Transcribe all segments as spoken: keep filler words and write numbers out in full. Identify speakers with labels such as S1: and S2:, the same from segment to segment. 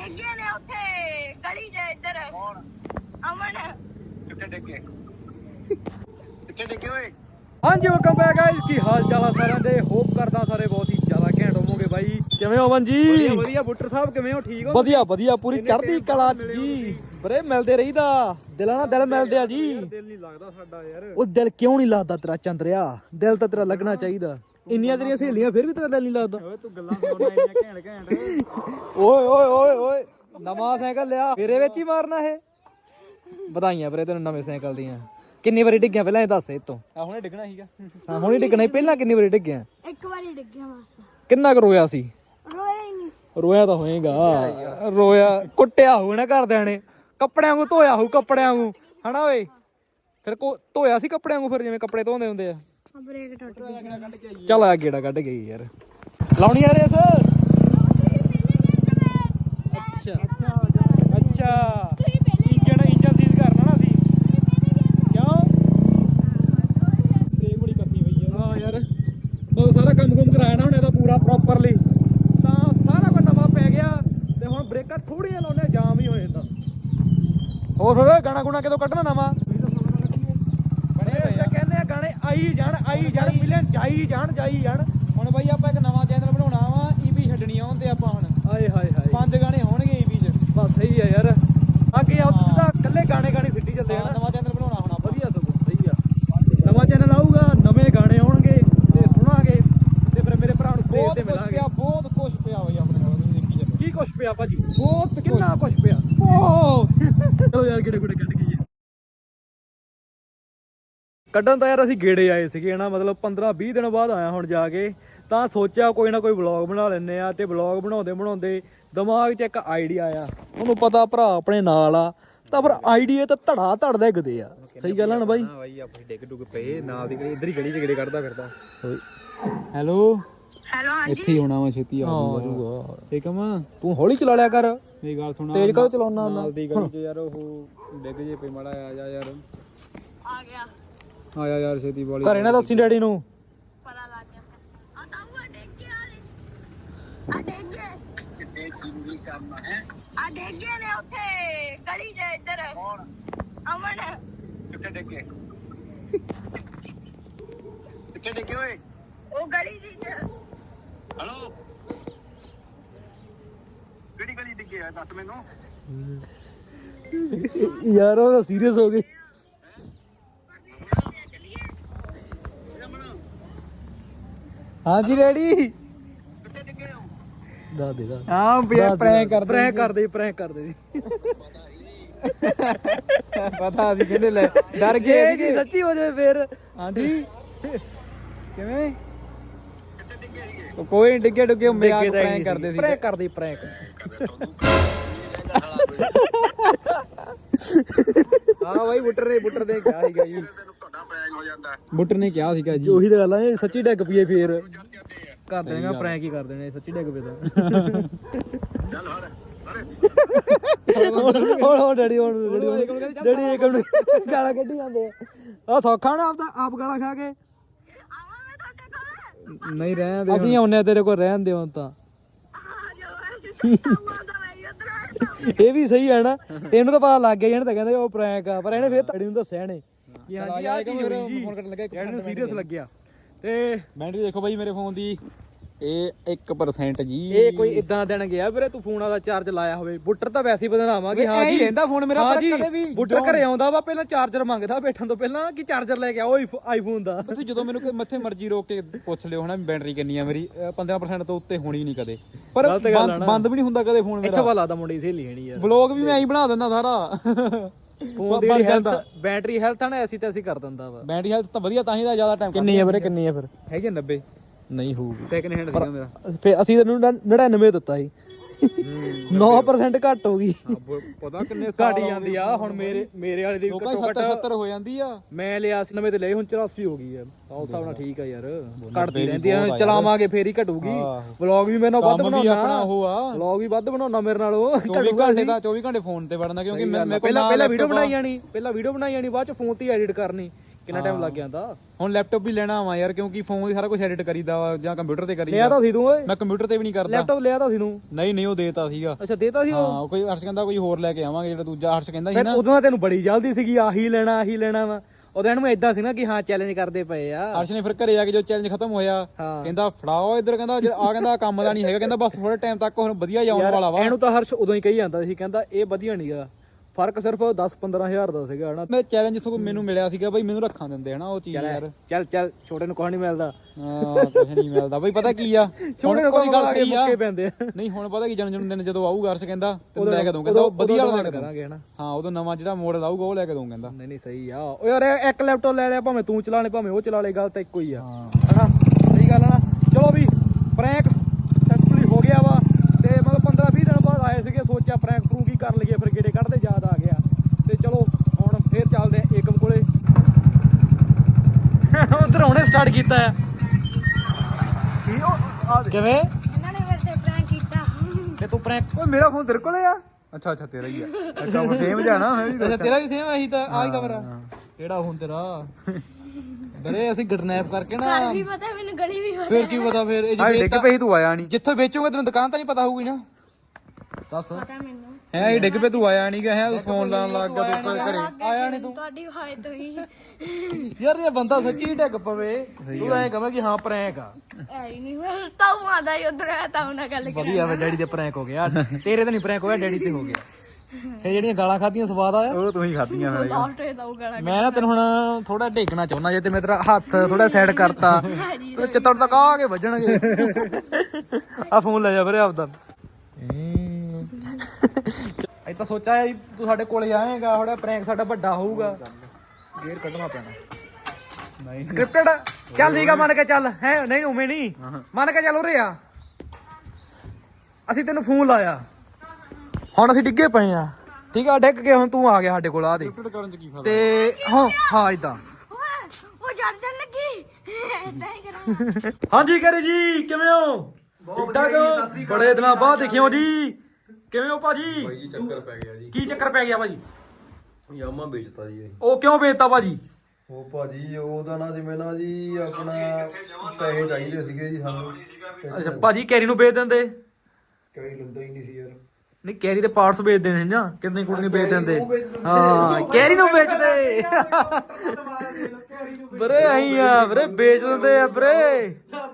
S1: ਡਿੱਗੇ ਨੇ ਉੱਥੇ ਗਲੀ ਦੇ ਇੱਧਰ। ਕੌਣ? ਅਮਨ। ਕਿੱਥੇ ਡਿੱਗੇ? ਕਿੱਥੇ ਡਿੱਗੇ ਓਏ?
S2: ਹਾਂਜੀ ਵੈਲਕਮ ਬੈਕ ਗਾਇਸ, ਕੀ ਹਾਲ ਚਾਲ ਆ ਸਾਰਿਆਂ ਦੇ? ਹੋਪ ਕਰਦਾ ਸਾਰੇ ਬਹੁਤ ਹੀ ਜ਼ਿਆਦਾ ਘੈਂਟ ਹੋਵੋਗੇ ਬਾਈ। ਕਿਵੇਂ ਹੋ ਅਮਨ ਜੀ?
S3: ਵਧੀਆ ਵਧੀਆ ਬੁੱਟਰ ਸਾਹਿਬ, ਕਿਵੇਂ ਹੋ? ਠੀਕ ਹੋ?
S2: ਵਧੀਆ ਵਧੀਆ, ਪੂਰੀ ਚੜ੍ਹਦੀ ਕਲਾ ਜੀ। ਬਰੇ ਮਿਲਦੇ ਰਹੀਦਾ, ਦਿਲਾਂ ਨਾਲ ਦਿਲ ਮਿਲਦੇ ਆ ਜੀ।
S3: ਦਿਲ ਨਹੀਂ ਲੱਗਦਾ ਸਾਡਾ ਯਾਰ।
S2: ਉਹ ਦਿਲ ਕਿਉਂ ਨਹੀਂ ਲੱਗਦਾ ਤੇਰਾ ਚੰਦਰਿਆ? ਦਿਲ ਤਾਂ ਤੇਰਾ ਲੱਗਣਾ ਚਾਹੀਦਾ। ਇੰਨੀਆਂ ਤੇਰੀਆਂ ਸਹੇਲੀਆਂ ਫਿਰ ਵੀ ਤੇਰਾ ਦਿਲ ਨਹੀਂ ਲੱਗਦਾ।
S3: ਓਏ ਤੂੰ ਗੱਲਾਂ ਸੁਣਨਾ ਇੰਨੀਆਂ ਘੈਂਟ ਘੈਂਟ।
S2: ਓਏ ਓਏ ਓਏ ਓਏ, ਨਵਾਂ ਸਾਈਕਲ ਲਿਆ, ਮੇਰੇ ਵਿੱਚ ਹੀ ਮਾਰਨਾ ਇਹ। ਵਧਾਈਆਂ ਵੀਰੇ ਤੈਨੂੰ ਨਵੇਂ ਸਾਈਕਲ ਦੀਆਂ। ਕਿੰਨੀ ਵਾਰੀ ਡਿੱਗਿਆ ਪਹਿਲਾਂ ਇਹ ਦੱਸ। ਇਹ ਤੋਂ
S3: ਆ ਹੁਣੇ ਡਿੱਗਣਾ ਸੀਗਾ।
S2: ਹਾਂ ਹੁਣੇ ਡਿੱਗਣਾ ਸੀ, ਪਹਿਲਾਂ ਕਿੰਨੀ ਵਾਰੀ ਡਿੱਗਿਆ?
S1: ਇੱਕ ਵਾਰੀ ਡਿੱਗਿਆ ਬਸ।
S2: ਕਿੰਨਾ ਕੁ ਰੋਇਆ ਸੀ?
S1: ਰੋਇਆ ਹੀ ਨਹੀਂ।
S2: ਰੋਇਆ ਤਾਂ ਹੋਏਗਾ, ਰੋਇਆ ਕੁੱਟਿਆ ਹੋਊ ਨਾ ਘਰਦਿਆਂ ਨੇ, ਕੱਪੜਿਆਂ ਨੂੰ ਧੋਇਆ ਹੋਊ, ਕੱਪੜਿਆਂ ਨੂੰ ਹਨਾ ਓਏ। ਫਿਰ ਕੋ ਧੋਇਆ ਸੀ ਕੱਪੜਿਆਂ ਨੂੰ, ਫਿਰ ਜਿਵੇਂ ਕੱਪੜੇ ਧੋਂਦੇ ਹੁੰਦੇ ਆ।
S1: ਬ੍ਰੇਕ ਟੁੱਟ ਗਈ।
S2: ਚੱਲ ਆ ਗੇੜਾ ਕੱਢ ਗਈ ਯਾਰ, ਲਾਉਣੀ ਆ ਰੇਸ। ਅੱਛਾ ਅੱਛਾ, ਇੰਜਣ ਇੰਜਣ ਸੀਜ਼ ਕਰਨਾ ਨਾ ਸੀ। ਕਿਉਂ? ਬ੍ਰੇਕ ਬੜੀ ਕੱਸੀ ਹੋਈ ਆ। ਹਾਂ ਯਾਰ, ਬਹੁਤ ਸਾਰਾ ਕੰਮ ਕੁਮ ਕਰਾਇਆ ਨਾ ਹੁਣ ਇਹਦਾ ਪੂਰਾ ਪ੍ਰੋਪਰਲੀ, ਤਾਂ ਸਾਰਾ ਕੁਝ ਨਵਾਂ ਪੈ ਗਿਆ। ਤੇ ਹੁਣ ਬ੍ਰੇਕਾਂ ਥੋੜੀਆਂ ਲਾਉਣੇ, ਜਾਮ ਹੀ ਹੋ ਜਾਂਦਾ। ਹੋਰ ਫਿਰ ਗਾਣਾ ਗੁਣਾ ਕਿਦੋਂ ਕੱਢਣਾ ਨਵਾਂ? ਕਹਿੰਦੇ ਆ ਗਾਣੇ ਆਈ ਜਾਣ ਆਈ ਜਾਣ, ਮਿਲਣ ਜਾਈ ਜਾਣ ਜਾਈ ਜਾਣ।
S3: ਹੁਣ ਬਾਈ ਆਪਾਂ ਇੱਕ ਨਵਾਂ ਚੈਨਲ ਬਣਾਉਣਾ ਵਾ, ਈਪੀ ਛੱਡਣੀ ਆਉਂਦੇ ਆਪਾਂ ਹੁਣ।
S2: ਹਾਏ ਹਾਏ ਹਾਏ,
S3: ਪੰਜ ਗਾਣੇ ਹੋਣਗੇ ਈਪੀ ਚ।
S2: ਬਸ ਸਹੀ ਆ ਯਾਰ। ਅੱਗੇ ਆ ਸਿੱਧਾ ਇਕੱਲੇ ਗਾਣੇ ਗਾਣੇ ਸਿੱਟੀ ਚੱਲੇ ਆ।
S3: ਨਵਾਂ ਚੈਨਲ ਬਣਾਉਣਾ ਹੁਣ ਆਪਾਂ।
S2: ਵਧੀਆ ਸਗੋਂ, ਸਹੀ ਆ। ਨਵਾਂ ਚੈਨਲ ਆਊਗਾ, ਨਵੇਂ ਗਾਣੇ ਆਉਣਗੇ ਤੇ ਸੁਣਾਂਗੇ, ਤੇ ਫਿਰ ਮੇਰੇ ਭਰਾ ਨੂੰ ਸਟੇਜ ਤੇ ਮਿਲਾਂਗੇ।
S3: ਬਹੁਤ ਕੁਝ ਪਿਆ ਬਈ ਆਪਣੇ ਨਾਲ, ਤੁਸੀਂ ਦੇਖੀ ਚੱਲੋ।
S2: ਕੀ ਕੁਛ ਪਿਆ ਭਾਜੀ?
S3: ਬਹੁਤ
S2: ਕਿੰਨਾ ਕੁਛ ਪਿਆ। ਚਲੋ ਯਾਰ ਕਿਹੜੇ ਕਿਹੜੇ ਕੱਢ ਗਈ। ਕੱਢਣ ਤਾਂ ਯਾਰ ਅਸੀਂ ਗੇੜੇ ਆਏ ਸੀਗੇ ਨਾ, ਮਤਲਬ ਪੰਦਰਾਂ ਵੀਹ ਦਿਨ ਬਾਅਦ ਆਇਆ ਹੁਣ ਜਾ ਕੇ। ਤਾਂ ਸੋਚਿਆ ਕੋਈ ਨਾ ਕੋਈ ਵਲੌਗ ਬਣਾ ਲੈਂਦੇ ਆ, ਤੇ ਵਲੌਗ ਬਣਾਉਂਦੇ ਬਣਾਉਂਦੇ ਦਿਮਾਗ 'ਚ ਇੱਕ ਆਈਡੀਆ ਆਇਆ। ਤੁਹਾਨੂੰ ਪਤਾ ਭਰਾ ਆਪਣੇ ਨਾਲ ਆ, ਤਾਂ ਫਿਰ ਆਈਡੀਆ ਤਾਂ ਧੜਾ ਧੜ ਡਿੱਗਦੇ ਆ। ਸਹੀ ਗੱਲ ਆ ਨਾ ਬਾਈ?
S3: ਹਾਂ ਬਾਈ, ਆਪਣੀ ਡਿੱਗ ਡੁੱਗ ਪਏ ਨਾਲ ਦੀ ਗਲੀ, ਇੱਧਰ ਹੀ ਗਲੀ 'ਚ ਗੇੜੇ ਕੱਢਦਾ ਫਿਰਦਾ।
S2: ਹੈਲੋ
S1: ਹੈਲੋ ਹਾਂਜੀ।
S3: ਇੱਥੇ ਹੀ ਹੋਣਾ ਵਾ, ਛੇਤੀ ਆ
S2: ਹਾਂ
S3: ਜਾਊਗਾ। ਠੀਕ ਆ ਮਾਂ,
S2: ਤੂੰ ਹੌਲੀ ਚਲਾ ਲਿਆ ਕਰ,
S3: ਮੇਰੀ ਗੱਲ ਸੁਣਾ।
S2: ਤੇਜ਼ ਕਦੋਂ ਚਲਾਉਣਾ?
S3: ਨਾਲ ਦੀ ਗਲੀ 'ਚ ਯਾਰ ਉਹ ਡਿੱਗ ਜੇ ਪਈ, ਮਾੜਾ ਆ ਜਾ ਯਾਰ।
S1: ਆ ਗਿਆ।
S3: ਆਇਆ ਯਾਰ ਛੇਤੀ ਵਾਲੀ।
S2: ਘਰੇ ਨਾ ਦੱਸੀ ਡੈਡੀ ਨੂੰ।
S1: ਪਤਾ ਲੱਗ ਗਿਆ। ਆ ਤਾਂ ਉਹ ਡਿੱਗੇ ਆ। ਆ ਡਿੱਗੇ। ਕਿੱਥੇ ਕੀ ਕਰਨਾ ਹੈ? ਆ ਡਿੱਗੇ ਨੇ ਉੱਥੇ ਗਲੀ ਦੇ ਇੱਧਰ। ਕੌਣ? ਅਮਨ।
S4: ਕਿੱਥੇ ਡਿੱਗੇ? ਕਿੱਥੇ ਡਿੱਗੇ ਓਏ?
S1: ਉਹ ਗਲੀ ਦੀ ਚ।
S4: ਹਲੋ, ਕਿਹੜੀ ਗਲੀ ਡਿੱਗੇ ਆ ਦੱਸ ਮੈਨੂੰ।
S2: ਯਾਰ ਉਹ ਤਾਂ ਸੀਰੀਅਸ ਹੋ ਗਈ। ਹਾਂਜੀ ਡੈਡੀ।
S4: ਕਿੱਥੇ ਡਿੱਗੇ ਹੋ?
S2: ਦੱਸ ਦੇ ਦੱਸ।
S3: ਹਾਂ ਪ੍ਰੈਂਕ ਕਰਦੇ
S2: ਪ੍ਰੈਂਕ ਕਰਦੇ ਪ੍ਰੈਂਕ ਕਰਦੇ ਸੀ।
S3: ਪਤਾ ਸੀ ਕਹਿੰਦੇ ਲੈ ਡਰ ਗਏ
S2: ਇਹ ਕੀ ਸੱਚੀ ਹੋ ਜਾਵੇ ਫੇਰ?
S3: ਹਾਂਜੀ ਕਿਵੇਂ?
S4: ਕਿੱਥੇ ਡਿੱਗੇ ਸੀਗੇ?
S3: ਉਹ ਕੋਈ ਨੀ, ਡਿੱਗੇ ਡੁੱਗੇ ਮਜ਼ਾਕ ਪ੍ਰੈਂਕ ਕਰਦੇ ਸੀ।
S2: ਪ੍ਰੈਂਕ ਕਰਦੇ ਪ੍ਰੈਂਕ।
S3: ਹਾਂ ਬਾਈ, ਬੁੱਟਰ ਨੇ ਬੁੱਟਰ ਨੇ ਕਿਹਾ ਸੀਗਾ ਜੀ।
S4: ਤੈਨੂੰ ਤੁਹਾਡਾ ਪ੍ਰੈਂਕ ਹੋ ਜਾਂਦਾ।
S3: ਬੁੱਟਰ ਨੇ ਕਿਹਾ ਸੀਗਾ ਜੀ।
S2: ਉਹੀ ਤਾਂ ਗੱਲ ਆ, ਇਹ ਸੱਚੀ ਡਿੱਗ ਪਈਏ ਫੇਰ
S4: ਚੜ ਜਾਂਦੇ ਆ।
S2: ਕਰ ਦੇਣਾ ਪ੍ਰੈਂਕ ਹੀ ਕਰ ਦੇਣੇ, ਸੱਚੀ ਡਿੱਗ ਪਏ ਤਾਂ।
S4: ਚੱਲ ਹੜ ਹੜ।
S2: ਹੁਣ ਹੁਣ ਡੈਡੀ ਹੁਣ ਡੈਡੀ ਡੈਡੀ ਇੱਕ ਮਿੰਟ ਗਾਲਾਂ ਕੱਢੀ ਜਾਂਦੇ ਆ। ਆ ਸੌਖਾ ਨਾ ਆਪਦਾ ਆਪ ਗਾਲਾਂ ਖਾ ਕੇ।
S1: ਆਵਾਂਗੇ ਤੁਹਾਡੇ ਕੋਲ।
S3: ਨਹੀਂ ਰਹਿਣ ਦੇ।
S2: ਅਸੀਂ ਆਉਨੇ ਤੇਰੇ ਕੋਲ, ਰਹਿਣ ਦਿਓ ਤਾਂ।
S1: ਆ ਜਾਓ ਆਵਾਂ ਦਾ ਮੈਂ ਇੱਧਰ ਆ।
S2: ਇਹ ਵੀ ਸਹੀ ਹੈ ਨਾ, ਤੈਨੂੰ ਤਾਂ ਪਤਾ ਲੱਗ ਗਿਆ ਇਹਨੇ ਤਾਂ ਕਹਿੰਦੇ ਉਹ ਪ੍ਰੈਂਕ ਆ, ਪਰ ਇਹਨੇ ਫੇਰ ਡੈਡੀ ਨੂੰ ਦੱਸਿਆ ਨੇ ਕਿ ਹਾਂਜੀ ਆ ਚੀਜ਼ ਹੋਈ ਜੀ।
S3: ਫੋਨ ਕੱਟਣ ਲੱਗਾ,
S2: ਡੈਡੀ ਨੂੰ ਸੀਰੀਅਸ ਲੱਗਿਆ। ਤੇ
S3: ਬੈਟਰੀ ਦੇਖੋ ਬਾਈ ਮੇਰੇ ਫੋਨ ਦੀ, ਇਹ ਇੱਕ ਪਰਸੈਂਟ ਜੀ।
S2: ਇਹ ਕੋਈ ਇਦਾਂ ਦਿਨ ਗਿਆ ਵੀਰੇ, ਤੂੰ ਫੋਨ ਵਾਲਾ ਚਾਰਜ ਲਾਇਆ ਹੋਵੇ। ਬੁੱਟਰ ਤਾਂ ਵੈਸੇ ਹੀ ਬਦਨਾਵਾਂਗੇ। ਹਾਂ ਜੀ,
S3: ਰਹਿੰਦਾ ਫੋਨ ਮੇਰਾ,
S2: ਹਾਂ
S3: ਪਰ
S2: ਜੀ,
S3: ਕਦੇ ਵੀ
S2: ਬੁੱਟਰ ਘਰੇ ਆਉਂਦਾ ਵਾ, ਪਹਿਲਾਂ ਚਾਰਜਰ ਮੰਗਦਾ ਬੈਠਣ ਤੋਂ ਪਹਿਲਾਂ ਕਿ ਚਾਰਜਰ ਲੈ ਕੇ ਆਓ ਆਈਫੋਨ ਦਾ।
S3: ਤੁਸੀਂ ਜਦੋਂ ਮੈਨੂੰ ਕੋਈ ਮੱਥੇ ਮਰਜ਼ੀ ਰੋਕ ਕੇ ਪੁੱਛ ਲਿਓ ਹਨਾ ਬੈਟਰੀ ਕਿੰਨੀ ਆ ਮੇਰੀ, ਪੰਦਰਾਂ ਪਰਸੈਂਟ ਤੋਂ ਉੱਤੇ ਹੋਣੀ ਨਹੀਂ ਕਦੇ, ਪਰ
S2: ਗਲਤ ਗੱਲ ਆ
S3: ਬੰਦ
S2: ਨਾ।
S3: ਬੰਦ ਵੀ ਨਹੀਂ ਹੁੰਦਾ ਕਦੇ ਫੋਨ
S2: ਇੱਥੇ
S3: ਮੇਰਾ।
S2: ਵਾਲਾ ਦਾ ਮੁੰਡੇ ਸਹੇਲੀ ਹੈਣੀ ਯਾਰ।
S3: ਵਲੌਗ ਵੀ ਮੈਂ ਐਂ ਹੀ ਬਣਾ ਦਿੰਦਾ ਸਾਰਾ।
S2: ਫੋਨ ਦੀ ਹੈਲਥ, ਬੈਟਰੀ ਹੈਲਥ ਆ ਨਾ, ਐਸੀ ਤੈਸੀ ਕਰ ਦਿੰਦਾ ਵਾ।
S3: ਬੈਟਰੀ ਹੈਲਥ ਤਾਂ ਵਧੀਆ, ਤਾਂ ਹੀ ਦਾ ਜ਼ਿਆਦਾ ਟਾਈਮ।
S2: ਕਿੰਨੀ ਹੈ ਵੀਰੇ, ਕਿੰਨੀ ਹੈ ਫਿਰ?
S3: ਹੈਗੇ ਨੱਬੇ।
S2: ਨਹੀਂ ਹੋਊਗੀ
S3: ਸੈਕਿੰਡ ਹੈਂਡ ਸੀਗਾ ਮੇਰਾ।
S2: ਫੇ ਅਸੀਂ ਤੈਨੂੰ ਨੜਿਨਵੇਂ ਦਿੱਤਾ ਸੀ, ਨੌ ਪਰਸੈਂਟ ਘੱਟ ਹੋ ਗਈ।
S3: ਪਤਾ ਕਿੰਨੇ
S2: ਘਟ ਜਾਂਦੀ ਆ ਹੁਣ। ਮੇਰੇ ਮੇਰੇ ਵਾਲੇ ਦੀ
S3: ਲੋਕਾਂ
S2: ਘੱਟੋ
S3: ਸੱਤਰ
S2: ਘੱਟ
S3: ਸੱਤਰ ਹੋ ਜਾਂਦੀ ਆ।
S2: ਮੈਂ ਲਿਆ ਸੀ ਨਵੇਂ ਤੇ ਲਈ, ਹੁਣ ਚੁਰਾਸੀ ਹੋ ਗਈ ਆ। ਤਾਂ ਉਸ ਹਿਸਾਬ ਨਾਲ ਠੀਕ ਆ ਯਾਰ, ਘਟਦੀ
S3: ਵੀ
S2: ਰਹਿੰਦੀ ਆ।
S3: ਬਹੁਤ ਆ
S2: ਚਲਾਵਾਂਗੇ ਫੇਰ ਹੀ ਘਟੂਗੀ।
S3: ਆਹੋ।
S2: ਵਲੌਗ ਵੀ ਮੇਰੇ ਨਾਲ ਵੱਧ
S3: ਕੰਮ ਵੀ ਆਪਣਾ
S2: ਬਣਾਉਣਾ,
S3: ਉਹ ਆ।
S2: ਵਲੌਗ ਵੀ ਵੱਧ ਬਣਾਉਣਾ ਮੇਰੇ ਨਾਲੋਂ।
S3: ਚੌਵੀ ਘੰਟੇ ਦਾ ਚੌਵੀ ਘੰਟੇ ਫੋਨ ਤੇ ਵੜਨਾ, ਕਿਉਂਕਿ ਮੈਂ
S2: ਪਹਿਲਾਂ ਪਹਿਲਾਂ ਵੀਡੀਓ ਬਣਾਈ ਜਾਣੀ, ਪਹਿਲਾਂ ਵੀਡੀਓ ਬਣਾਈ ਜਾਣੀ, ਬਾਅਦ ਚ ਫੋਨ ਤੇ ਐਡਿਟ ਕਰਨੀ ਕਿੰਨਾ ਟਾਈਮ ਲੱਗ ਜਾਂਦਾ।
S3: ਹੁਣ ਲੈਪਟਾਪ ਵੀ ਲੈਣਾ ਵਾ ਯਾਰ, ਕਿਉਂਕਿ ਫੋਨ 'ਤੇ ਸਾਰਾ ਕੁਝ ਐਡਿਟ ਕਰੀਦਾ ਵਾ ਜਾਂ ਕੰਪਿਊਟਰ ਤੇ ਕਰੀਦਾ।
S2: ਲਿਆ ਤਾਂ ਸੀ ਤੂੰ ਓਏ,
S3: ਮੈਂ ਕੰਪਿਊਟਰ ਤੇ ਵੀ ਨਹੀਂ ਕਰਦਾ।
S2: ਲੈਪਟਾਪ ਲਿਆ ਤਾਂ ਸੀ ਤੂੰ?
S3: ਨਹੀਂ ਨਹੀਂ ਉਹ ਦੇਤਾ ਸੀਗਾ।
S2: ਅੱਛਾ ਦੇਤਾ ਸੀ ਉਹ?
S3: ਹਾਂ ਕੋਈ ਹਰਸ਼ ਕਹਿੰਦਾ ਕੋਈ ਹੋਰ ਲੈ ਕੇ ਆਵਾਂਗੇ, ਜਿਹੜਾ ਦੂਜਾ ਹਰਸ਼ ਕਹਿੰਦਾ ਸੀ
S2: ਫਿਰ
S3: ਨਾ।
S2: ਉਦੋਂ ਤਾਂ ਤੈਨੂੰ ਬੜੀ ਜਲਦੀ ਸੀਗੀ, ਆਹੀ ਲੈਣਾ ਆਹੀ ਲੈਣਾ ਵਾ। ਉਹਦੇ ਨੂੰ ਇਦਾਂ ਸੀ ਨਾ ਕਿ ਹਾਂ ਚੈਲੰਜ ਕਰਦੇ ਪਏ ਆ।
S3: ਹਰਸ਼ ਨੇ ਫਿਰ ਘਰੇ ਆ ਕੇ ਜੋ ਚੈਲੰਜ ਖਤਮ ਹੋਇਆ ਕਹਿੰਦਾ ਫੜਾਓ ਇੱਧਰ, ਕਹਿੰਦਾ ਆ ਕਹਿੰਦਾ ਕੰਮ ਦਾ ਨਹੀਂ ਹੈਗਾ, ਕਹਿੰਦਾ ਬਸ ਥੋੜੇ ਟਾਈਮ ਤੱਕ ਹੁਣ ਵਧੀਆ ਜਾਣ ਵਾਲਾ ਵਾ।
S2: ਇਹਨੂੰ ਤਾਂ ਹਰਸ਼ ਉਦੋਂ ਹੀ ਕਹੀ ਜਾਂਦਾ ਸੀ, ਕਹਿੰਦਾ ਇਹ ਵਧੀਆ ਨਹੀਂਗਾ, ਫਰਕ ਸਿਰਫ ਦਸ ਪੰਦਰਾਂ ਹਜ਼ਾਰ ਦਾ ਸੀਗਾ ਹਨਾ।
S3: ਮੈਂ ਚੈਲੰਜ ਸਗੋਂ ਮੈਨੂੰ ਮਿਲਿਆ ਸੀਗਾ ਬਈ, ਮੈਨੂੰ ਰੱਖਾਂ ਦਿੰਦੇ ਹਨਾ ਉਹ ਚੀਜ਼ ਯਾਰ।
S2: ਚੱਲ ਚੱਲ ਛੋਟੇ ਨੂੰ ਕੁਝ ਨਹੀਂ ਮਿਲਦਾ।
S3: ਹਾਂ ਕੁਝ ਨਹੀਂ ਮਿਲਦਾ ਬਈ, ਪਤਾ ਕੀ ਆ
S2: ਛੋਟੇ ਨੂੰ ਕੋਈ ਗੱਲ ਸਹੀ ਆ ਪੈਂਦੇ ਆ।
S3: ਨਹੀਂ ਹੁਣ ਪਤਾ ਕੀ ਜਨਮ ਜਨਮ ਦਿਨ ਜਦੋਂ ਆਊਗਾ ਹਰਸ਼ ਕਹਿੰਦਾ ਤੈਨੂੰ ਲੈ ਕੇ ਦਊਂ, ਕਹਿੰਦਾ ਉਹ ਵਧੀਆ ਵਾਲਾ ਲੈ ਕੇ
S2: ਕਰਾਂਗੇ ਹਨਾ।
S3: ਹਾਂ ਉਦੋਂ ਨਵਾਂ ਜਿਹੜਾ ਮਾਡਲ ਆਊਗਾ ਉਹ ਲੈ ਕੇ ਦਊਂ ਕਹਿੰਦਾ।
S2: ਨਹੀਂ ਨਹੀਂ ਸਹੀ ਆ। ਉਹ ਯਾਰ ਇੱਕ ਲੈਪਟਾਪ ਲੈ ਲਿਆ, ਭਾਵੇਂ ਤੂੰ ਚਲਾ ਲੈ ਭਾਵੇਂ ਉਹ ਚਲਾ ਲੇ, ਗੱਲ ਤਾਂ ਇੱਕੋ ਹੀ ਆ ਹਨਾ। ਸਹੀ ਗੱਲ ਆ ਨਾ। ਚਲੋ ਵੀ ਪ੍ਰੈਂਕ ਸਕਸੈਸਫੁਲੀ ਹੋ ਗਿਆ ਵਾ, ਤੇ ਮਤਲਬ ਪੰਦਰਾਂ ਵੀਹ ਦਿਨ ਬਾਅਦ ਆਏ ਸੀਗੇ, ਸੋਚਿਆ ਪ੍ਰੈਂਕ ਪ੍ਰੂੰਕ ਹੀ ਕਰ ਲਈਏ, ਫਿਰ ਗੇੜੇ ਕੱਢਦੇ ਯਾਦ ਆ ਗਿਆ। ਤੇ ਚਲੋ ਹੁਣ ਫੇਰ ਚੱਲਦੇ ਆ ਏਕਮ ਕੋਲੇ। ਉਧਰ ਹੁਣੇ ਸਟਾਰਟ ਕੀਤਾ ਆ। ਕਿਵੇਂ
S1: ਇਹਨਾਂ ਨੇ ਮੇਰੇ ਤੇ ਪ੍ਰੈਂਕ ਕੀਤਾ।
S2: ਤੇ ਤੂੰ ਪ੍ਰੈਂਕ,
S3: ਓਏ ਮੇਰਾ ਫੋਨ ਤੇਰੇ ਕੋਲੇ ਆ? ਅੱਛਾ ਅੱਛਾ ਤੇਰਾ ਹੀ ਆ। ਅੱਛਾ ਉਹ ਸੇਮ ਜਾਣਾ ਮੈਂ ਵੀ।
S2: ਅੱਛਾ ਤੇਰਾ ਵੀ ਸੇਮ ਆਹੀ ਤਾਂ ਆਹੀ ਤਾਂ ਮੇਰਾ। ਕਿਹੜਾ ਹੁਣ ਤੇਰਾ ਵੀਰੇ ਅਸੀਂ ਗਡਨੈਪ ਕਰਕੇ ਨਾ,
S1: ਘਰ ਵੀ ਪਤਾ ਮੈਨੂੰ, ਗਲੀ ਵੀ ਪਤਾ।
S2: ਫੇਰ ਕੀ ਪਤਾ ਫਿਰ ਇਹ
S3: ਆਹ ਡਿੱਗ ਪਈ ਤੂੰ ਆਇਆ ਨਹੀਂ।
S2: ਜਿੱਥੋਂ ਵੇਚੂਗਾ ਤੈਨੂੰ ਦੁਕਾਨ ਤਾਂ ਨਹੀਂ ਪਤਾ ਹੋਊਗੀ ਨਾ। ਦੱਸ
S1: ਪਤਾ ਮੈਨੂੰ
S3: ਹੈ ਇਹ ਡਿੱਗ ਪਈ ਤੂੰ ਆਇਆ ਨਹੀਂ ਗਾ, ਹੈ ਤੂੰ ਫੋਨ ਲਾਉਣ ਲੱਗ ਗਿਆ ਤੂੰ ਘਰੇ।
S1: ਆਇਆ ਨਹੀਂ ਤੂੰ, ਤੁਹਾਡੀ ਹਾਏ ਤੋਂ ਹੀ
S2: ਯਾਰ ਇਹ ਬੰਦਾ ਸੱਚੀ ਡਿੱਗ ਪਵੇ, ਤੂੰ ਐਂ ਕਵੇਂ ਕਿ ਹਾਂ ਪ੍ਰੈਂਕ ਆ।
S1: ਐ ਨਹੀਂ ਮੈਂ ਤਾਉ ਆਂਦਾ ਹੀ ਉਧਰ ਆ, ਤਾਉ ਨਾਲ ਗੱਲ ਕਰ।
S2: ਵਧੀਆ ਵੇ ਡੈਡੀ ਦੇ ਪ੍ਰੈਂਕ ਹੋ ਗਿਆ, ਤੇਰੇ ਤੇ ਨਹੀਂ ਪ੍ਰੈਂਕ ਹੋਇਆ, ਡੈਡੀ ਤੇ ਹੋ ਗਿਆ। ਫੇ ਜਿਹੜੀਆਂ ਗਾਲਾਂ ਖਾਧੀਆਂ ਸਵਾਦ ਆਇਆ
S3: ਉਹ ਤੂੰ ਹੀ ਖਾਧੀਆਂ ਮੈਂ।
S1: ਲਾਸਟ ਤੇ ਤਾਉ ਗਾਲਾਂ
S2: ਮੈਂ ਨਾ ਤੈਨੂੰ ਹੁਣ ਥੋੜਾ ਢੇਕਣਾ ਚਾਹੁੰਦਾ, ਜੇ ਤੇ ਮੈਂ ਤੇਰਾ ਹੱਥ ਥੋੜਾ ਸਾਈਡ ਕਰਤਾ ਤੇ ਚਿੱਤੜ ਤੱਕ ਆ ਕੇ ਵੱਜਣਗੇ। ਆ ਫੋਨ ਲੈ ਜਾ ਵੀਰੇ ਆਪਦਾ। ਅਸੀਂ ਤਾਂ ਸੋਚਿਆ ਸੀ ਤੂੰ ਸਾਡੇ ਕੋਲੇ ਆਏਗਾ, ਥੋੜਾ ਪ੍ਰੈਂਕ ਸਾਡਾ ਵੱਡਾ ਹੋਊਗਾ। ਗੇਅਰ ਕੱਢਣਾ ਪੈਣਾ। ਨਹੀਂ ਸਕ੍ਰਿਪਟਡ ਚੱਲ ਠੀਕ ਆ, ਮੰਨ ਕੇ ਚੱਲ। ਹੈ ਨਹੀਂ ਉਵੇਂ ਨਹੀਂ, ਮੰਨ ਕੇ ਚੱਲ ਉਰੇ ਆ। ਅਸੀਂ ਤੈਨੂੰ ਫੋਨ ਲਾਇਆ, ਹੁਣ ਅਸੀਂ ਡਿੱਗੇ ਪਏ ਆ, ਠੀਕ ਆ। ਡਿੱਗ ਕੇ ਹੁਣ ਤੂੰ ਆ ਗਿਆ ਸਾਡੇ ਕੋਲ, ਆ ਦੇ ਤੇ ਹਾਂ ਹਾਂ ਇਦਾਂ
S1: ਉਹ ਜੜਨ ਲੱਗੀ ਇਦਾਂ ਹੀ ਕਰਾਂ।
S2: ਹਾਂਜੀ ਕਰੇ ਜੀ, ਕਿਵੇਂ ਹੋ? ਠੀਕ ਠਾਕ ਹੋ? ਬੜੇ ਦਿਨਾਂ ਬਾਅਦ ਦੇਖਿਓ ਜੀ। ਕਿਵੇਂ ਹੋ ਭਾਜੀ?
S4: ਭਾਈ ਜੀ ਚੱਕਰ ਪੈ ਗਿਆ ਜੀ।
S2: ਕੀ ਚੱਕਰ ਪੈ ਗਿਆ ਭਾਜੀ?
S4: ਯਾਮਾ ਵੇਚਤਾ ਜੀ ਇਹ।
S2: ਉਹ ਕਿਉਂ ਵੇਚਤਾ ਭਾਜੀ?
S5: ਉਹ ਭਾਜੀ ਉਹਦਾ ਨਾ ਜਿਵੇਂ ਨਾ ਜੀ ਆਪਣਾ ਪੈਸੇ ਚਾਹੀਦੇ ਸੀਗੇ ਜੀ ਸਾਨੂੰ।
S2: ਅੱਛਾ ਭਾਜੀ ਕੈਰੀ ਨੂੰ ਵੇਚ ਦਿੰਦੇ।
S5: ਕਈ ਲੰਦਾ ਹੀ ਨਹੀਂ ਸੀ ਯਾਰ।
S2: ਨਹੀਂ ਕੈਰੀ ਦੇ ਪਾਰਟਸ ਵੇਚ ਦੇਣੇ ਸੀ ਨਾ, ਕਿੰਨੀ ਕੁੜੀ ਨੂੰ ਵੇਚ ਦਿੰਦੇ। ਹਾਂ ਕੈਰੀ ਨੂੰ ਵੇਚਦੇ ਵੀਰੇ, ਆਈ ਆ ਵੀਰੇ, ਵੇਚ ਦਿੰਦੇ ਆ ਵੀਰੇ।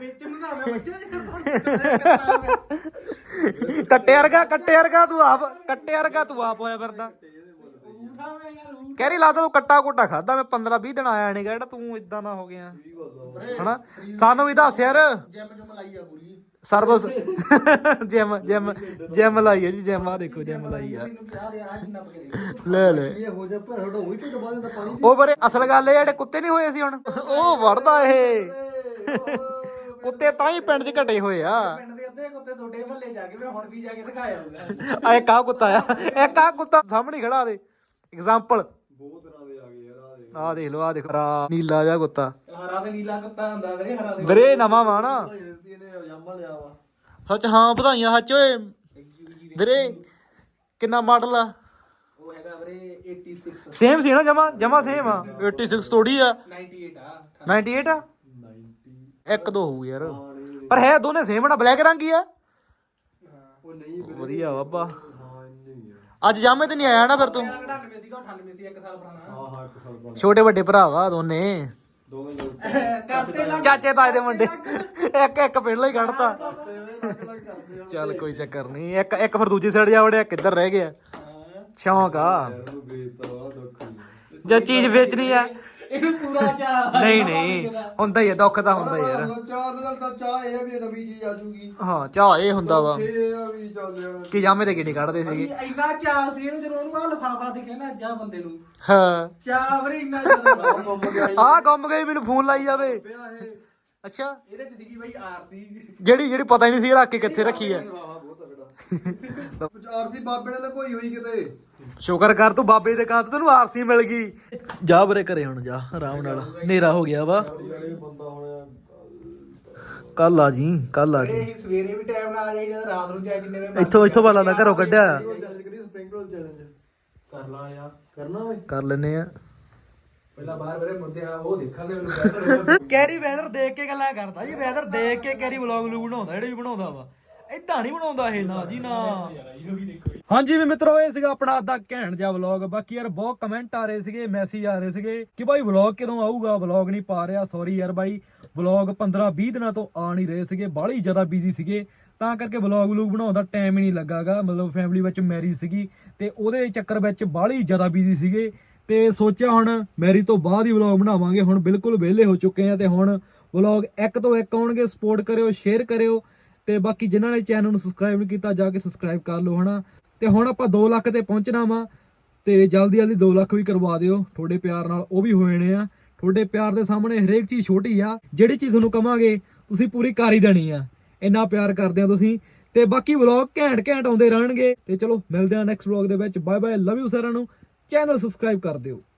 S2: ਕੱਟੇ ਵਰਗਾ ਕੱਟੇ ਵਰਗਾ ਤੂੰ ਆਪ, ਕੱਟੇ ਵਰਗਾ ਤੂੰ ਆਪ ਹੋਇਆ ਫਿਰਦਾ। ਕੈਰੀ ਲਾ ਤੂੰ ਕੱਟਾ ਕੋਟਾ ਖਾਦਾ, ਮੈਂ ਪੰਦਰਾਂ ਵੀਹ ਦਿਨ ਆਇਆ ਨਹੀਂ ਗਾ, ਜਿਹੜਾ ਤੂੰ ਇਦਾਂ ਦਾ ਹੋ ਗਿਆ ਹਨਾ। ਸਾਨੂੰ ਵੀ ਦੱਸ ਯਾਰ। ਸਰਵਿਸ ਜਿਮ ਜਿਮ ਜਿਮ ਲਾਈ ਹੈ ਜੀ, ਜਿਮ ਆ ਦੇਖੋ ਜਿਮ ਲਾਈ ਆ। ਲੈ ਲੈ ਉਹ ਬਰੇ ਅਸਲ ਗੱਲ ਇਹ ਜਿਹੜੇ ਕੁੱਤੇ ਨਹੀਂ ਹੋਏ ਸੀ ਹੁਣ ਉਹ ਵੜਦਾ ਇਹ ਕੁੱਤੇ ਤਾਂ ਹੀ ਪਿੰਡ 'ਚ ਘਟੇ ਹੋਏ ਆ। ਆ ਇੱਕ ਆ ਕੁੱਤਾ ਆ, ਇੱਕ ਆ ਕੁੱਤਾ ਸਾਹਮਣੇ ਖੜਾ ਦੇ ਐਗਜ਼ਾਮਪਲ। ਆ ਦੇਖ ਲੋ, ਆ ਦੇਖ ਰਾ ਨੀਲਾ ਜਿਹਾ ਕੁੱਤਾ।
S5: ਹਰਾ ਤੇ ਨੀਲਾ ਕੁੱਤਾ ਹੁੰਦਾ ਵੀਰੇ, ਹਰਾ ਦੇ
S2: ਵੀਰੇ ਨਵਾਂ ਵਾ ਨਾ
S5: ਜਾਮਾ ਲਿਆ ਵਾ।
S2: ਸੱਚ। ਹਾਂ ਵਧਾਈਆਂ ਸੱਚ ਓਏ ਵੀਰੇ। ਕਿੰਨਾ ਮਾਡਲ ਆ?
S5: ਉਹ ਹੈਗਾ ਵੀਰੇ ਛਿਆਸੀ।
S2: ਸੇਮ ਸੀ ਨਾ, ਜਮਾ ਜਮਾ ਸੇਮ ਆ। ਛਿਆਸੀ ਥੋੜੀ ਆ,
S5: ਅਠਾਨਵੇਂ ਆ।
S2: ਅਠਾਨਵੇਂ ਆ। ਇੱਕ ਦੋ ਹੋਊ ਯਾਰ, ਪਰ ਹੈ ਦੋਨੇ ਸੇਮ ਨਾ, ਬਲੈਕ ਰੰਗ ਹੀ ਆ।
S5: ਉਹ ਨਹੀਂ
S2: ਵਧੀਆ ਬਾਬਾ।
S5: ਹਾਂ ਇੰਨੇ ਹੀ
S2: ਅੱਜ ਜਾਮੇ ਤੇ ਨਹੀਂ ਆਇਆ ਨਾ ਫਿਰ ਤੂੰ?
S5: ਅਠਾਨਵੇਂ ਸੀਗਾ, ਅਠਾਨਵੇਂ ਸੀ, ਇੱਕ ਸਾਲ ਪੁਰਾਣਾ। ਹਾਂ ਹਾਂ ਇੱਕ ਸਾਲ ਪੁਰਾਣਾ।
S2: ਛੋਟੇ ਵੱਡੇ ਭਰਾ ਵਾ ਦੋਨੇ,
S5: ਦੋਵੇਂ ਲੋਕ
S2: ਚਾਚੇ ਤਾਏ ਦੇ ਮੁੰਡੇ। ਇੱਕ ਇੱਕ ਪਹਿਲਾਂ ਹੀ ਕੱਢਤਾ। ਚੱਲ ਕੋਈ ਚੱਕਰ ਨਹੀਂ। ਇੱਕ ਇੱਕ ਫਿਰ ਦੂਜੀ ਸਾਈਡ ਜਾ ਵੜਿਆ, ਕਿੱਧਰ ਰਹਿ ਗਿਆ? ਸ਼ੌਂਕ ਆ ਜੇ ਚੀਜ਼ ਵੇਚਣੀ ਆ।
S5: ਇਹਨੂੰ ਪੂਰਾ ਚਾਹ
S2: ਨਹੀਂ ਨਹੀਂ ਹੁੰਦਾ ਹੀ ਆ, ਦੁੱਖ ਤਾਂ ਹੁੰਦਾ ਯਾਰ।
S5: ਚਾਹ ਦਾ ਤਾਂ ਚਾਹ ਇਹ ਆ ਵੀ ਨਵੀਂ ਚੀਜ਼ ਆ ਜੂਗੀ।
S2: ਹਾਂ ਚਾਹ ਇਹ ਹੁੰਦਾ ਵਾ
S5: ਇਹ ਆ ਵੀ ਚੱਲ
S2: ਕਿ ਜਾਮੇ ਤੇ ਕਿਹੜੀ ਕੱਢਦੇ ਸੀਗੇ।
S5: ਇੰਨਾ ਚਾਹ ਸੀ ਇਹਨੂੰ, ਜਦੋਂ ਉਹਨੂੰ ਆ ਲਿਫਾਫਾ ਦਿਖਿਆ ਨਾ ਜਾ ਬੰਦੇ ਨੂੰ,
S2: ਹਾਂ
S5: ਚਾਹ ਵੀਰੇ ਇੰਨਾ ਜ਼ਿਆਦਾ ਗੁੰਮ ਗਿਆ।
S2: ਆਹ ਗੁੰਮ ਗਈ, ਮੈਨੂੰ ਫੋਨ ਲਾਈ ਜਾਵੇ।
S5: ਪਿਆ ਇਹ
S2: ਅੱਛਾ
S5: ਇਹਦੇ ਚ ਸੀਗੀ ਬਈ ਆਰਸੀ,
S2: ਜਿਹੜੀ ਜਿਹੜੀ ਪਤਾ ਹੀ ਨਹੀਂ ਸੀ ਰੱਖ ਕੇ ਕਿੱਥੇ ਰੱਖੀ ਆ।
S5: ਬਹੁਤ ਤਗੜਾ ਆਰਸੀ ਬਾਬੇ ਨੇ ਕੋਈ ਹੋਈ ਕਿਤੇ।
S2: ਸ਼ੁਕਰ ਕਰ ਤੂੰ ਬਾਬੇ ਦੇ ਕਾਂ ਤੇ ਤੈਨੂੰ ਆਰਸੀ ਮਿਲ ਗਈ। ਜਾ ਬਰੇ ਘਰੇ ਹੁਣ ਜਾ ਆਰਾਮ ਨਾਲ, ਹਨੇਰਾ ਹੋ ਗਿਆ ਵਾ।
S5: ਬੰਦਾ ਹੁਣ
S2: ਕੱਲ ਆ ਜੀ, ਕੱਲ ਆ ਜੀ।
S5: ਇਹ ਸਵੇਰੇ ਵੀ ਟਾਈਮ ਨਾਲ ਆ ਜਾਈਦਾ, ਰਾਤ ਨੂੰ ਚਾਹੇ ਜਿੰਨੇ ਵੇ
S2: ਇੱਥੋਂ ਇੱਥੋਂ ਬਾਲਾ ਦਾ ਘਰੋਂ ਕੱਢਿਆ।
S5: ਸਪ੍ਰਿੰਗ ਰੋਲ ਚੈਲੰਜ ਕਰ ਲਾ ਯਾਰ, ਕਰਨਾ ਓਏ।
S2: ਕਰ ਲੈਨੇ ਆ। ਪਹਿਲਾਂ ਬਾਹਰ ਮੇਰੇ ਮੁੰਡੇ ਆ ਉਹ ਦੇਖਣ ਦੇ ਮੈਨੂੰ ਕੈਰੀ ਵੈਦਰ ਦੇਖ ਕੇ ਗੱਲਾਂ ਕਰਦਾ ਜੀ ਵੈਦਰ ਦੇਖ ਕੇ ਕੈਰੀ ਵਲੌਗ ਵਲੂਗ ਬਣਾਉਂਦਾ ਜਿਹੜੇ ਵੀ ਬਣਾਉਂਦਾ ਵਾ ਏਦਾਂ ਨਹੀਂ ਬਣਾਉਂਦਾ ਇਹ ਨਾ ਜੀ ਨਾ ਹਾਂਜੀ ਵੀ ਮਿੱਤਰੋ ਇਹ ਸੀਗਾ ਆਪਣਾ ਅੱਧਾ ਘੈਂਟ ਜਿਹਾ ਵਲੌਗ ਬਾਕੀ ਯਾਰ ਬਹੁਤ ਕਮੈਂਟ ਆ ਰਹੇ ਸੀਗੇ ਮੈਸੇਜ ਆ ਰਹੇ ਸੀਗੇ ਕਿ ਬਾਈ ਵਲੌਗ ਕਦੋਂ ਆਊਗਾ ਵਲੌਗ ਨਹੀਂ ਪਾ ਰਿਹਾ ਸੌਰੀ ਯਾਰ ਬਾਈ ਵਲੌਗ ਪੰਦਰਾਂ ਵੀਹ ਦਿਨਾਂ ਤੋਂ ਆ ਨਹੀਂ ਰਹੇ ਸੀਗੇ ਬਾਹਲੀ ਜ਼ਿਆਦਾ ਬਿਜ਼ੀ ਸੀਗੇ ਤਾਂ ਕਰਕੇ ਵਲੌਗ ਵਲੂਗ ਬਣਾਉਣ ਦਾ ਟਾਈਮ ਹੀ ਨਹੀਂ ਲੱਗਾਗਾ ਮਤਲਬ ਫੈਮਿਲੀ ਵਿੱਚ ਮੈਰਿਜ ਸੀਗੀ ਤੇ ਉਹਦੇ ਚੱਕਰ ਵਿੱਚ ਬਾਹਲੀ ਜ਼ਿਆਦਾ ਬਿਜ਼ੀ ਸੀਗੇ ਤੇ ਸੋਚਿਆ ਹੁਣ ਮੈਰਿਜ ਤੋਂ ਬਾਅਦ ਹੀ ਵਲੌਗ ਬਣਾਵਾਂਗੇ ਹੁਣ ਬਿਲਕੁਲ ਵਿਹਲੇ ਹੋ ਚੁੱਕੇ ਆ ਤੇ ਹੁਣ ਵਲੌਗ ਇੱਕ ਤੋਂ ਇੱਕ ਆਉਣਗੇ ਸਪੋਰਟ ਕਰਿਓ ਸ਼ੇਅਰ ਕਰਿਓ ਤੇ ਬਾਕੀ ਜਿਨ੍ਹਾਂ ਨੇ ਚੈਨਲ ਨੂੰ ਸਬਸਕ੍ਰਾਈਬ ਨਹੀਂ ਕੀਤਾ ਜਾ ਕੇ ਸਬਸਕ੍ਰਾਈਬ ਕਰ ਲਓ ਹਨਾ ਤੇ ਹੁਣ ਆਪਾਂ ਦੋ ਲੱਖ ਤੇ ਪਹੁੰਚਣਾ ਵਾ ਤੇ ਜਲਦੀ ਜਲਦੀ ਦੋ ਲੱਖ ਵੀ ਕਰਵਾ ਦਿਓ ਤੁਹਾਡੇ ਪਿਆਰ ਨਾਲ ਉਹ ਵੀ ਹੋ ਜਾਣੇ ਆ ਤੁਹਾਡੇ ਪਿਆਰ ਦੇ ਸਾਹਮਣੇ ਹਰੇਕ ਚੀਜ਼ ਛੋਟੀ ਆ ਜਿਹੜੀ ਚੀਜ਼ ਤੁਹਾਨੂੰ ਕਵਾਂਗੇ ਤੁਸੀਂ ਪੂਰੀ ਕਰ ਹੀ ਦੇਣੀ ਆ ਇੰਨਾ ਪਿਆਰ ਕਰਦੇ ਆ ਤੁਸੀਂ ਤੇ ਬਾਕੀ ਵਲੌਗ ਘੈਂਟ ਘੈਂਟ ਆਉਂਦੇ ਰਹਿਣਗੇ ਤੇ ਚਲੋ ਮਿਲਦੇ ਆ ਨੈਕਸਟ ਵਲੌਗ ਦੇ ਵਿੱਚ ਬਾਏ ਬਾਏ ਲਵ ਯੂ ਸਾਰਿਆਂ ਨੂੰ ਚੈਨਲ ਸਬਸਕ੍ਰਾਈਬ ਕਰ ਦਿਓ।